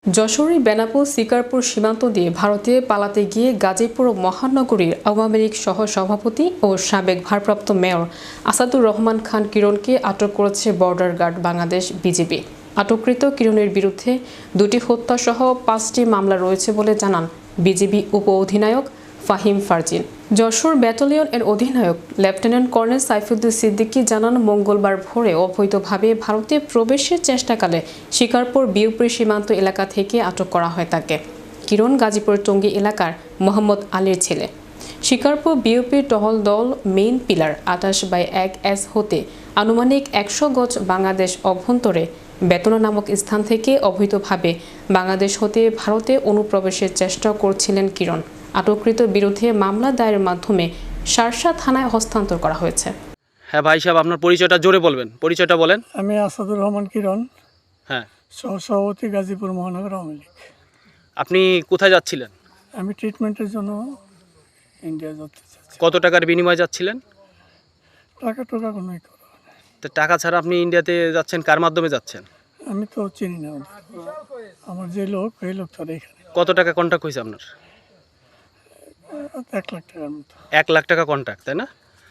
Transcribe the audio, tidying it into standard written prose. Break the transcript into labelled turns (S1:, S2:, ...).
S1: যশোরে বেনাপোল শিকারপুর সীমান্ত দিয়ে ভারতে পালাতে গিয়ে গাজীপুর মহানগরীর আওয়ামী লীগ সহ সভাপতি ও সাবেক ভারপ্রাপ্ত মেয়র আসাদুর রহমান খান কিরণকে আটক করেছে বর্ডার গার্ড বাংলাদেশ বিজিবি। আটককৃত কিরণের বিরুদ্ধে 2টি হত্যাসহ 5টি মামলা রয়েছে বলে জানান বিজিবি উপ অধিনায়ক ফাহিম ফারজিন। যশোর ব্যাটালিয়ন এর অধিনায়ক লেফটেন্যান্ট কর্নেল সাইফুদ্দিন সিদ্দিকী জানান, মঙ্গলবার ভোরে অবৈধভাবে ভারতে প্রবেশের চেষ্টাকালে শিকারপুর বিউপি সীমান্ত এলাকা থেকে আটক করা হয় তাকে। কিরণ গাজীপুর টঙ্গী এলাকার মোহাম্মদ আলীর ছেলে। শিকারপুর বিউপির টহল দল মেইন পিলার 28/1S হতে আনুমানিক 100 গজ বাংলাদেশ অভ্যন্তরে বেতনা নামক স্থান থেকে অবৈধভাবে বাংলাদেশ হতে ভারতে অনুপ্রবেশের চেষ্টা করছিলেন কিরণ। আটককৃত বিরুদ্ধে মামলা দায়েরের মাধ্যমে শার্শা থানায় হস্তান্তর করা হয়েছে।
S2: হ্যাঁ ভাই সাহেব, আপনার পরিচয়টা জোরে বলবেন, পরিচয়টা বলেন।
S3: আমি আসাদুর রহমান কিরণ,
S2: হ্যাঁ,
S3: সহসভাপতি গাজীপুর মহানগর আওয়ামী লীগ।
S2: আপনি কোথায় যাচ্ছিলেন?
S3: আমি ট্রিটমেন্টের জন্য ইন্ডিয়া যেতে চাচ্ছি।
S2: কত টাকার বিনিময়ে যাচ্ছিলেন?
S3: টাকা কোনোই করো না।
S2: তো টাকা ছাড়া আপনি ইন্ডিয়াতে যাচ্ছেন, কার মাধ্যমে যাচ্ছেন?
S3: আমি তো চিনি না ওদের। আমার যে লোক এই লোক তার এখানে
S2: কত টাকা কন্ট্রাক্ট হয়েছে আপনার?
S3: 1 লাখ টাকার মতো।
S2: 1 লাখ টাকা কন্ট্রাক্ট, তাই না?